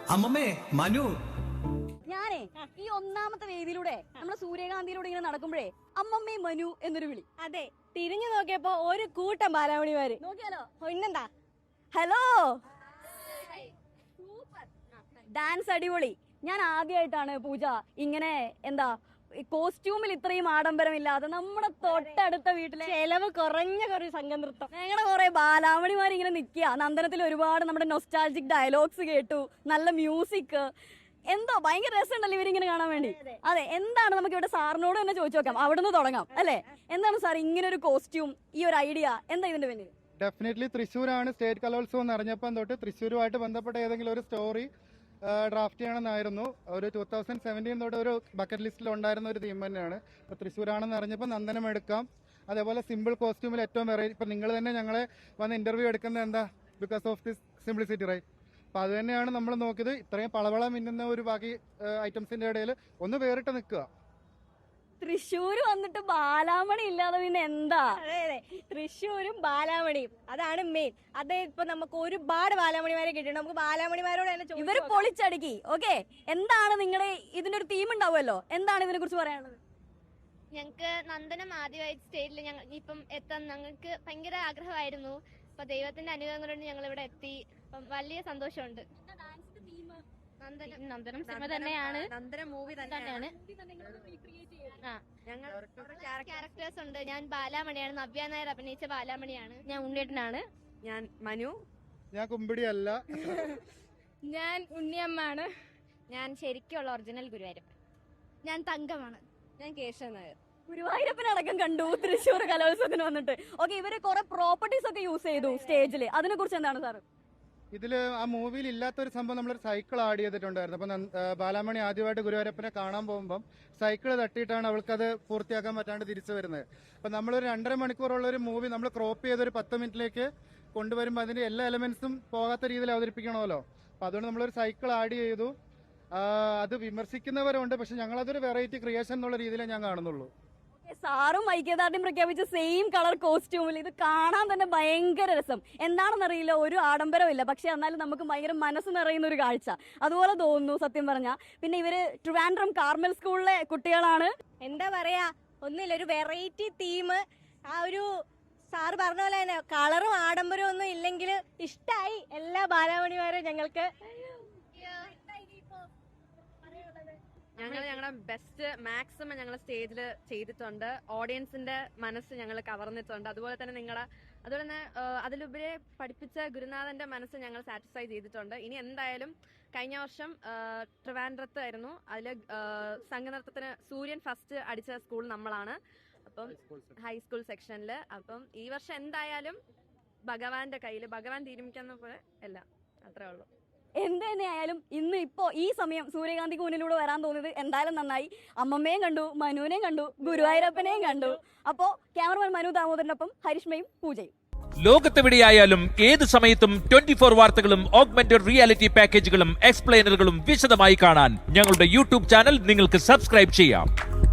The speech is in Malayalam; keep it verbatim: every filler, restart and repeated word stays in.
അമ്മമ്മേ മനു. ഞാനേ ഈ ഒന്നാമത്തെ വേദിയിലൂടെ നമ്മുടെ സൂര്യകാന്തിയിലൂടെ ഇങ്ങനെ നടക്കുമ്പോഴേ അമ്മമ്മേ മനു എന്നൊരു വിളി. അതെ, തിരിഞ്ഞു നോക്കിയപ്പോ ഒരു കൂട്ടം ബാലാമണിമാര്. നോക്കിയാലോ? പിന്നെന്താ, ഹലോ, ഡാൻസ് അടിപൊളി. ഞാൻ ആദ്യമായിട്ടാണ് പൂജ ഇങ്ങനെ എന്താ കോസ്റ്റ്യൂമിൽ ഇത്രയും ആഡംബരമില്ലാതെ നമ്മുടെ തൊട്ടടുത്ത വീട്ടിലെ ചെലവ് കുറഞ്ഞ കുറേ സംഘം നൃത്തം. ഞങ്ങളുടെ കുറെ ബാലാമണിമാർ ഇങ്ങനെ നിൽക്കുക. നന്ദനത്തിൽ ഒരുപാട് നമ്മുടെ നൊസ്റ്റാൾജിക് ഡയലോഗ്സ് കേട്ടു, നല്ല മ്യൂസിക്, എന്തോ ഭയങ്കര രസമുണ്ടല്ലോ ഇവരിങ്ങനെ കാണാൻ വേണ്ടി. അതെ, എന്താണ് നമുക്ക് ഇവിടെ സാറിനോട് തന്നെ ചോദിച്ചു നോക്കാം, അവിടെ നിന്ന് തുടങ്ങാം അല്ലേ? എന്താണ് സാർ ഇങ്ങനെ ഒരു കോസ്റ്റ്യൂം, ഈ ഒരു ഐഡിയ എന്താ ഇതിന്റെ പിന്നിൽ? ഡെഫിനറ്റ്ലി തൃശ്ശൂരാണ് സ്റ്റേറ്റ് കലോത്സവം എന്ന് അറിഞ്ഞപ്പം തൊട്ട് തൃശ്ശൂരുമായിട്ട് ബന്ധപ്പെട്ട ഏതെങ്കിലും ഒരു സ്റ്റോറി ഡ്രാഫ്റ്റ് ചെയ്യണമെന്നായിരുന്നു. ഒരു ടൂ തൗസൻഡ് സെവൻറ്റീൻ തൊട്ട് ഒരു ബക്കറ്റ് ലിസ്റ്റിൽ ഉണ്ടായിരുന്ന ഒരു തീം തന്നെയാണ്. ഇപ്പോൾ തൃശ്ശൂരാണെന്ന് അറിഞ്ഞപ്പോൾ നന്ദനം എടുക്കാം. അതേപോലെ സിമ്പിൾ കോസ്റ്റ്യൂമിൽ ഏറ്റവും വെറൈറ്റി, ഇപ്പം നിങ്ങൾ തന്നെ ഞങ്ങളെ വന്ന് ഇന്റർവ്യൂ എടുക്കുന്നത് എന്താ, because of this simplicity, right? അപ്പോൾ അത് തന്നെയാണ് നമ്മൾ നോക്കിയത്. ഇത്രയും പളവള മിന്നുന്ന ഒരു ബാക്കി ഐറ്റംസിന്റെ ഇടയിൽ ഒന്ന് വേറിട്ട് നിൽക്കുക. തൃശ്ശൂര് വന്നിട്ട് ബാലാമണി ഇല്ലാതെ പിന്നെ എന്താ? അതെ അതെ, തൃശ്ശൂരും ബാലാമണിയും അതാണ് മെയിൻ. അത് ഇപ്പൊ നമുക്ക് ഒരുപാട് ബാലാമണിമാരെ കിട്ടിയിട്ടുണ്ട്. നമുക്ക് ബാലാമണിമാരോട് തന്നെ ചോദിച്ചു ഇവര് നോക്കാം. പൊളിച്ചടുക്കി. ഓക്കെ, എന്താണ് നിങ്ങളുടെ ഇതിന്റെ ഒരു തീം ഉണ്ടാവുമല്ലോ, എന്താണ് ഇതിനെ കുറിച്ച് പറയാനുള്ളത്? ഞങ്ങൾക്ക് നന്ദനം ആദ്യമായി സ്റ്റേജിൽ ഞങ്ങൾ ഇപ്പം എത്താൻ ഞങ്ങൾക്ക് ഭയങ്കര ആഗ്രഹമായിരുന്നു. അപ്പൊ ദൈവത്തിന്റെ അനുഗ്രഹം കൊണ്ട് ഞങ്ങൾ ഇവിടെ എത്തി. അപ്പം വലിയ സന്തോഷമുണ്ട്. നന്ദനം നന്ദനം സിനിമ തന്നെയാണ്, നന്ദനം മൂവി തന്നെയാണ്. ഞങ്ങൾ ക്യാരക്ടേഴ്സ് ഉണ്ട്. ഞാൻ ബാലാമണിയാണ്, നവ്യ നായർ അഭിനയിച്ച ബാലാമണിയാണ്. ഞാൻ ഉണ്ണിയേട്ടനാണ്. ഞാൻ മനു. ഞാൻ കുമ്പിടിയല്ല. ഞാൻ ഉണ്ണിയമ്മാണ്. ഞാൻ ശരിക്കുള്ള ഒറിജിനൽ ഗുരുവായൂരപ്പൻ. ഞാൻ തങ്കമാണ്. ഞാൻ കേശവ നായർ. ഗുരുവായൂരപ്പനടക്കം കണ്ടു തൃശ്ശൂർ കലോത്സവത്തിന് വന്നിട്ട്. ഓക്കെ, ഇവര് കുറെ പ്രോപ്പർട്ടീസ് ഒക്കെ യൂസ് ചെയ്തു സ്റ്റേജിൽ, അതിനെ കുറിച്ച് എന്താണ് സാർ? ഇതിൽ ആ മൂവിയിൽ ഇല്ലാത്തൊരു സംഭവം നമ്മളൊരു സൈക്കിൾ ആഡ് ചെയ്തിട്ടുണ്ടായിരുന്നു. അപ്പം ബാലാമണി ആദ്യമായിട്ട് ഗുരുവായൂരപ്പനെ കാണാൻ പോകുമ്പം സൈക്കിൾ തട്ടിയിട്ടാണ് അവൾക്കത് പൂർത്തിയാക്കാൻ പറ്റാണ്ട് തിരിച്ചു വരുന്നത്. അപ്പം നമ്മളൊരു രണ്ടര മണിക്കൂറുള്ള ഒരു മൂവി നമ്മൾ ക്രോപ്പ് ചെയ്തൊരു പത്ത് മിനിറ്റിലേക്ക് കൊണ്ടുവരുമ്പോൾ അതിന്റെ എല്ലാ എലമെന്റ്സും പോകാത്ത രീതിയിൽ അവതരിപ്പിക്കണമല്ലോ. അപ്പം അതുകൊണ്ട് നമ്മളൊരു സൈക്കിൾ ആഡ് ചെയ്തു. അത് വിമർശിക്കുന്നവരുണ്ട്, പക്ഷെ ഞങ്ങളതൊരു വെറൈറ്റി ക്രിയേഷൻ എന്നുള്ള രീതിയിലേ ഞാൻ കാണുന്നുള്ളൂ. സാറും ഐക്യദാർഢ്യം പ്രഖ്യാപിച്ച സെയിം കളർ കോസ്റ്റ്യൂമിൽ ഇത് കാണാൻ തന്നെ ഭയങ്കര രസം. എന്താണെന്നറിയില്ല, ഒരു ആഡംബരമില്ല, പക്ഷെ എന്നാലും നമുക്ക് ഭയങ്കര മനസ്സ് നിറയുന്ന ഒരു കാഴ്ച അതുപോലെ തോന്നുന്നു സത്യം പറഞ്ഞ. പിന്നെ ഇവര് ട്രിവാൻഡ്രം കാർമൽ സ്കൂളിലെ കുട്ടികളാണ്. എന്താ പറയാ, ഒന്നില്ല, ഒരു വെറൈറ്റി തീം. ആ ഒരു സാറ് പറഞ്ഞ പോലെ തന്നെ കളറും ആഡംബരവും ഒന്നും ഇല്ലെങ്കിൽ ഇഷ്ടായി എല്ലാ ബാലാമണിമാരും ഞങ്ങൾക്ക്. ഞങ്ങൾ ഞങ്ങളുടെ ബെസ്റ്റ് മാക്സിമം ഞങ്ങൾ സ്റ്റേജിൽ ചെയ്തിട്ടുണ്ട്. ഓഡിയൻസിന്റെ മനസ്സ് ഞങ്ങൾ കവർന്നിട്ടുണ്ട്. അതുപോലെ തന്നെ നിങ്ങളെ അതുപോലെ തന്നെ അതിലുപരി പഠിപ്പിച്ച ഗുരുനാഥന്റെ മനസ്സ് ഞങ്ങൾ സാറ്റിസ്ഫൈ ചെയ്തിട്ടുണ്ട്. ഇനി എന്തായാലും കഴിഞ്ഞ വർഷം ട്രിവാൻഡ്രത്ത് ആയിരുന്നു, അതില് സംഘനൃത്തത്തിന് സൂര്യൻ ഫസ്റ്റ് അടിച്ച സ്കൂൾ നമ്മളാണ്, അപ്പം ഹൈസ്കൂൾ സെക്ഷനിൽ. അപ്പം ഈ വർഷം എന്തായാലും ഭഗവാന്റെ കയ്യിൽ, ഭഗവാൻ തീരുമാനിക്കുന്ന പോലെ എല്ലാം, അത്രേ ഉള്ളൂ. എന്ത് തന്നെയായാലും ഇന്ന് ഇപ്പോ ഈ സമയം സൂര്യകാന്തിക്ക് മുന്നിലൂടെ വരാൻ തോന്നിയത് എന്തായാലും നന്നായി. അമ്മമ്മയും കണ്ടു, മനുവിനെയും കണ്ടു, ഗുരുവായൂരപ്പനെയും കണ്ടു. അപ്പോ ക്യാമറമാൻ മനു ദാമോദരനൊപ്പം ഹരിഷ്മയും പൂജയും. ലോകത്തെവിടെയായാലും ഏത് സമയത്തും ട്വന്റി ഫോർ വാർത്തകളും ഓഗ്മെന്റഡ് റിയാലിറ്റി പാക്കേജുകളും എക്സ്പ്ലെയിനറുകളും വിശദമായി കാണാൻ ഞങ്ങളുടെ യൂട്യൂബ് ചാനൽ നിങ്ങൾക്ക് സബ്സ്ക്രൈബ് ചെയ്യാം.